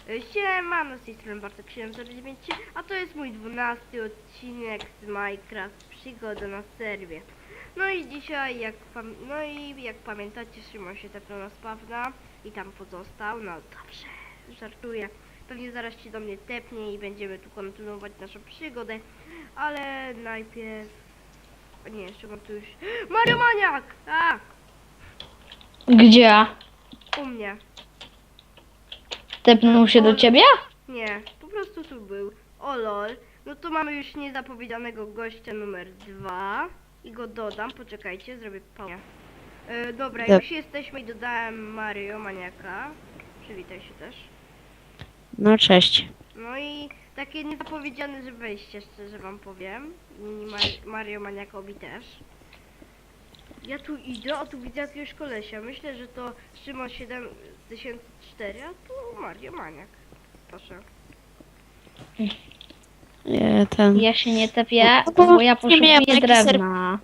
Siemano, z tej strony Bartek 709, a to jest mój 12 odcinek z Minecraft Przygoda na serwie. No i dzisiaj, jak pamiętacie, Szymon się tepnął na spawna i tam pozostał. No dobrze, żartuję. Pewnie zaraz się do mnie tepnie i będziemy tu kontynuować naszą przygodę, ale najpierw... Nie, Szymon tu już... Mario Maniak! A! Gdzie? U mnie. Tepnął się do ciebie? Nie, po prostu tu był. O lol. No to mamy już niezapowiedzianego gościa numer 2. I go dodam, poczekajcie, zrobię pauzę. Dobra, już jesteśmy i dodałem Mario Maniaka. Przywitaj się też. No cześć. No i takie niezapowiedziane, że wejście, szczerze wam powiem. Mario Maniakowi też. Ja tu idę, a tu widzę jakiegoś kolesia. Myślę, że to Szymon 7004, a tu Mario Maniak. Proszę. Ja się nie tepię, No bo bo ja nie miałem poszukuję na jaki drewna.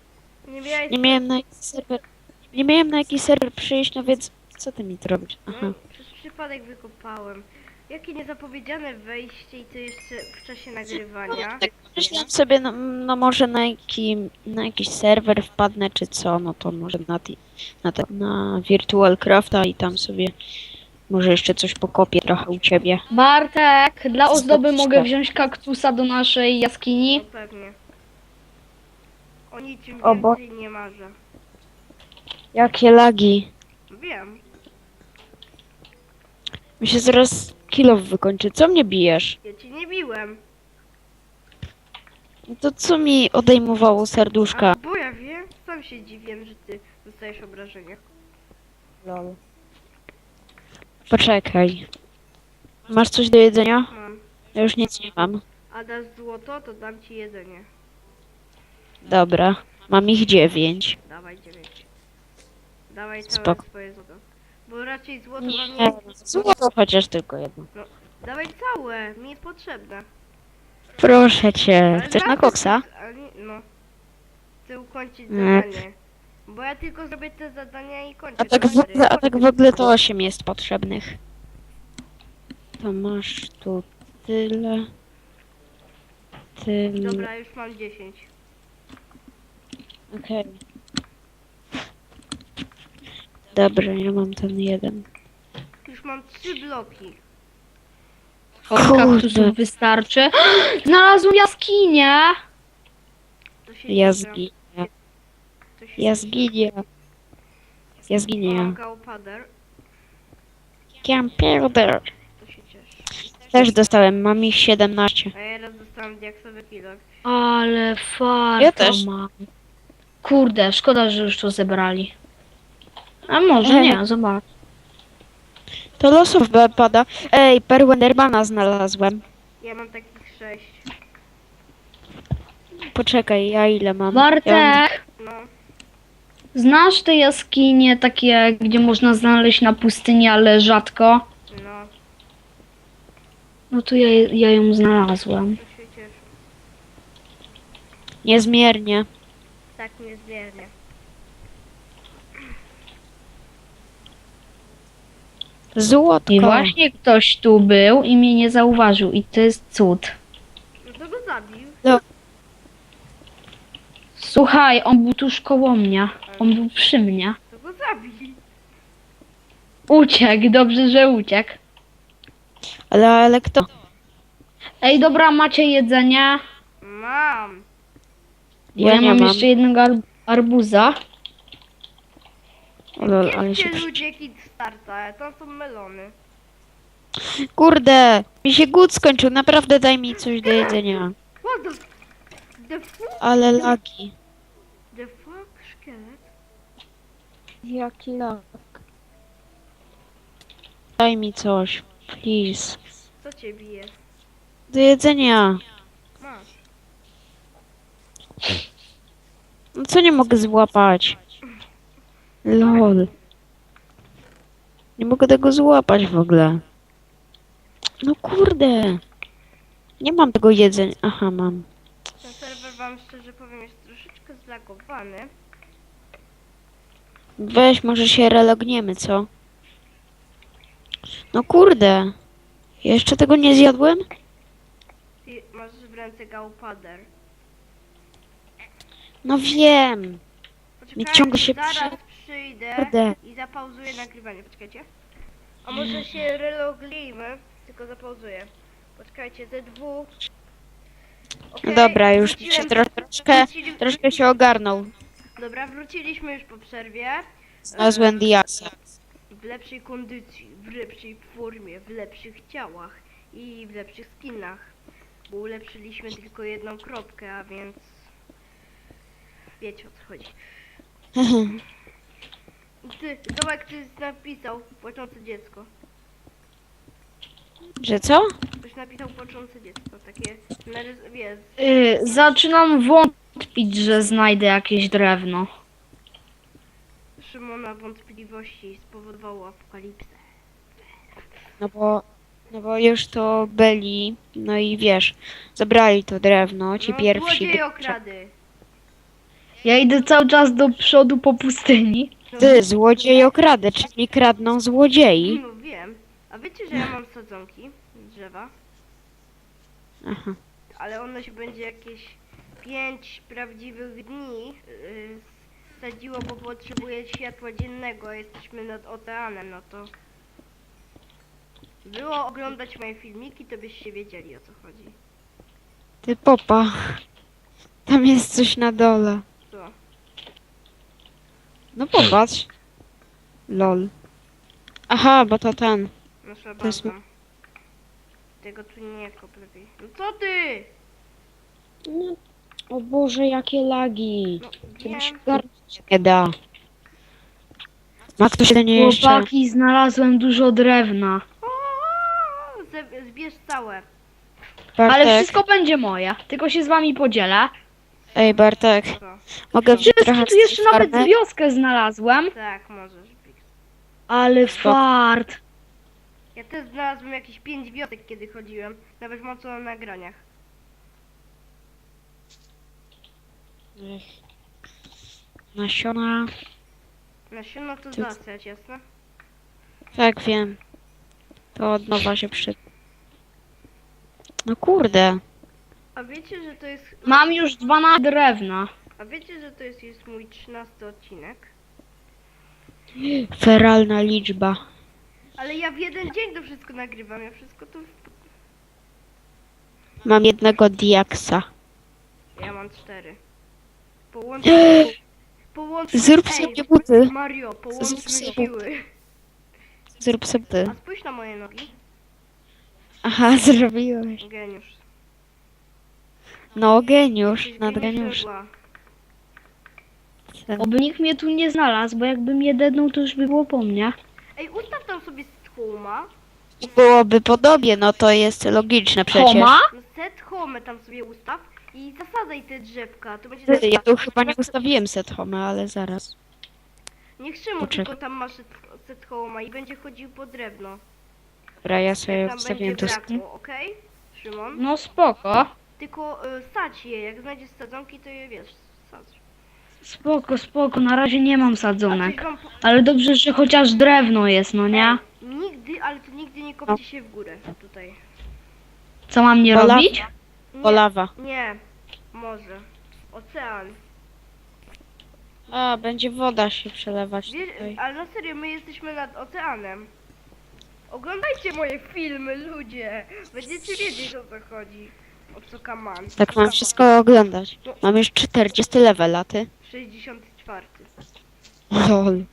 Nie miałem na jaki serwer przyjść, no więc co ty mi tu robisz? Aha. No, przez przypadek wykopałem. Jakie niezapowiedziane wejście i to jeszcze w czasie nagrywania. Tak myślałem sobie, no może na jakiś serwer wpadnę czy co, no to może na Virtual Crafta i tam sobie może jeszcze coś pokopię trochę u ciebie. Bartek, dla ozdoby Zobaczcie. mogę wziąć kaktusa do naszej No jaskini? pewnie. O niczym O bo- więcej nie marzę. Jakie lagi. Wiem. Mi się zaraz kill wykończy. Co mnie bijesz? Ja ci nie biłem. No to co mi odejmowało serduszka? A bo ja wiem, sam się dziwię, że ty dostajesz obrażenia. Lol. Poczekaj. Masz coś do jedzenia? Mam. Ja już nic nie mam. A dasz złoto, to dam ci jedzenie. Dobra. Mam ich 9. Dawaj 9. Dawaj całe Spoko. swoje złoto. Bo raczej złoto Nie, wam nie... złoto chociaż tylko jedno. Dawaj całe, mi jest potrzebne. Proszę cię. Ale Chcesz na zawsze koksa? No. Chcę ukończyć Nie. zadanie. Bo ja tylko zrobię te zadania i kończę. A tak w ogóle to 8 jest potrzebnych. To masz tu tyle. Tyle. Dobra, już mam 10. Okej. Dobra, ja mam ten jeden. Już mam 3 bloki. Od Kurde. kaktusów wystarczy. Znalazłem jaskinię! To się Ja cieszę. zginę. To się Ja cieszę. zginę. Ja zginę. Mam gałpader. Camperder. To się cieszę. Też dostałem, mam ich 17. A ja raz dostałam diaksowy pilot. Ale farta Ja też. mam. Kurde, szkoda, że już to zebrali. A może nie, zobacz. To losów pada. Ej, perłę Endermana znalazłem. Ja mam takich 6. Poczekaj, ja ile mam? Ja mam... Bartek, No. znasz te jaskinie takie, gdzie można znaleźć na pustyni, ale rzadko? No. No to ja ją znalazłem. To się cieszę. Niezmiernie. Tak niezmiernie. Złotko. I właśnie ktoś tu był i mnie nie zauważył i to jest cud. No to go zabił. Słuchaj, on był tuż koło mnie. On był przy mnie. To go zabił. Uciekł, dobrze, że uciekł. Ale kto? Ej, dobra, macie jedzenie? Mam. Bo ja nie mam mam. jeszcze jednego arbuza. O lol, ale Gdzie się... ludzie Kickstarta? To są melony. Kurde, mi się głód skończył. Naprawdę daj mi coś do jedzenia. What the fuck? Ale lagi. The fuck? Szkielet? Jaki lag? Daj mi coś. Please. Co cię bije? Do jedzenia. Masz. No co nie mogę złapać? Lol. Nie mogę tego złapać w ogóle. No kurde. Nie mam tego jedzenia. Aha, mam. Ten serwer wam szczerze powiem jest troszeczkę zlagowany. Weź, może się relogniemy, co? No kurde. Jeszcze tego nie zjadłem? Ty masz w ręce gałpader. No wiem. Poczekajcie, ciągle się zaraz przyjdę Kurde. i zapauzuję nagrywanie. Poczekajcie. A może się relogujmy, tylko zapauzuję. Poczekajcie, Z2. No dobra, już wróciłem- się troszkę się ogarnął. Dobra, wróciliśmy już po przerwie. Znalazłem Diaksa. W lepszej kondycji, w lepszej formie, w lepszych ciałach i w lepszych skinach. Bo ulepszyliśmy tylko jedną kropkę, a więc wiecie o co chodzi. Ty, Tomek, ty napisał płaczące dziecko. Że co? Ktoś napisał płaczące dziecko, takie, wiesz, Zaczynam wątpić, że znajdę jakieś drewno. Szymona wątpliwości spowodowało apokalipsę. No bo już to byli, no i wiesz, zabrali to drewno, ci No, pierwsi. złodzieje okrady. Ja idę cały czas do przodu po pustyni. Ty, złodziej okradę, czyli kradną złodziei. No wiem. A wiecie, że ja mam sadzonki drzewa? Aha. Ale ono się będzie jakieś 5 prawdziwych dni sadziło, bo potrzebuje światła dziennego, a jesteśmy nad oceanem, no to było oglądać moje filmiki, to byście wiedzieli o co chodzi. Ty popa. Tam jest coś na dole. Co? No popatrz. Lol. Aha, bo to ten. Nasza To jest- baza. Tego tu nie kop lepiej. No co ty? No, o Boże, jakie lagi. No To mi się wiem. garnąć nie da. Ma ktoś nie jeszcze? Chłopaki, znalazłem dużo drewna. O, zbierz całe. Ale Bartek, wszystko będzie moje. Tylko się z wami podzielę. ej Bartek, Co? mogę wziąć trochę Wszystko, tu jeszcze z tej nawet farmy? wioskę znalazłem. Tak, możesz. Bix. Ale Spoko. fart. Ja też znalazłem jakieś 5 wiosek, kiedy chodziłem. Nawet mam co na nagraniach. Ech. Nasiona. Nasiona to Ty- zasiać, jasne? Tak, wiem. To od nowa się przy... No kurde. A wiecie, że to jest... Mam już 12 drewna. A wiecie, że to jest mój 13 odcinek? Feralna liczba. Ale ja w jeden dzień to wszystko nagrywam, ja wszystko to... Mam jednego diaksa. Ja mam 4. Połączmy... Zrób Ej, sobie buty. Mario, połączmy Zrób sobie siły. Zrób sobie ty. A spójrz na moje nogi. Aha, zrobiłeś. Geniusz. No geniusz, Jesteś nad geniusz geniusz. żegla. Oby nikt mnie tu nie znalazł, bo jakbym je dednął, to już by było po mnie. Ej, ustaw tam sobie homa. Byłoby podobnie, no to jest logiczne przecież. Homa? No set home tam sobie ustaw i zasadzaj te drzewka. To będzie Ty, ja tu chyba nie ustawiłem set home, ale zaraz. Niech Szymon Poczekaj. tylko tam ma set homa i będzie chodził po drewno. Dobra, ja sobie Tam ustawiłem będzie to. brakło, okej? Szymon? No spoko. Tylko sadź je, jak znajdziesz sadzonki, to je wiesz, sadź. Spoko, spoko. Na razie nie mam A coś sadzonek. wam Ale dobrze, że chociaż drewno jest, no nie? Ej, nigdy, ale to nigdy nie kopcie się w górę tutaj. Co mam nie Bo lawa. robić? O, lawa. Nie, może. Ocean. A, będzie woda się przelewać tutaj. Ale na serio, my jesteśmy nad oceanem. Oglądajcie moje filmy, ludzie. Będziecie wiedzieć o co chodzi. O co kaman. Tak mam wszystko oglądać. Mam już 40 level, a ty? 64. Lol.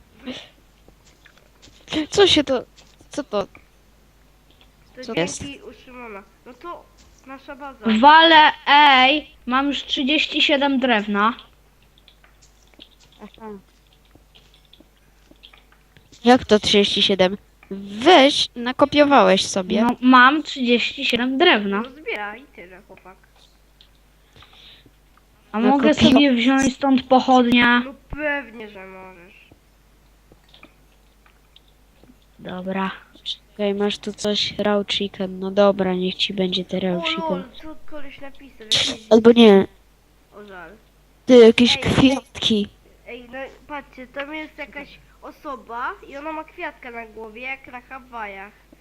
Co się to... Co to? To Co dzięki u Szymona. No to nasza baza. Wale, ej, mam już 37 drewna. Aha. Jak to 37? Weź, nakopiowałeś sobie. No, mam 37 drewna. No zbieraj, tyle chłopak. A mogę Nakopiło- sobie wziąć stąd pochodnie? No pewnie, że możesz. Dobra. Okej, masz tu coś, raw chicken. No dobra, niech ci będzie te raw O chicken. lol, co koleś napisał? Jakieś... Albo nie, O żal. ty, jakieś Ej. kwiatki. Ej, no patrzcie, tam jest jakaś osoba i ona ma kwiatka na głowie, jak na Hawajach.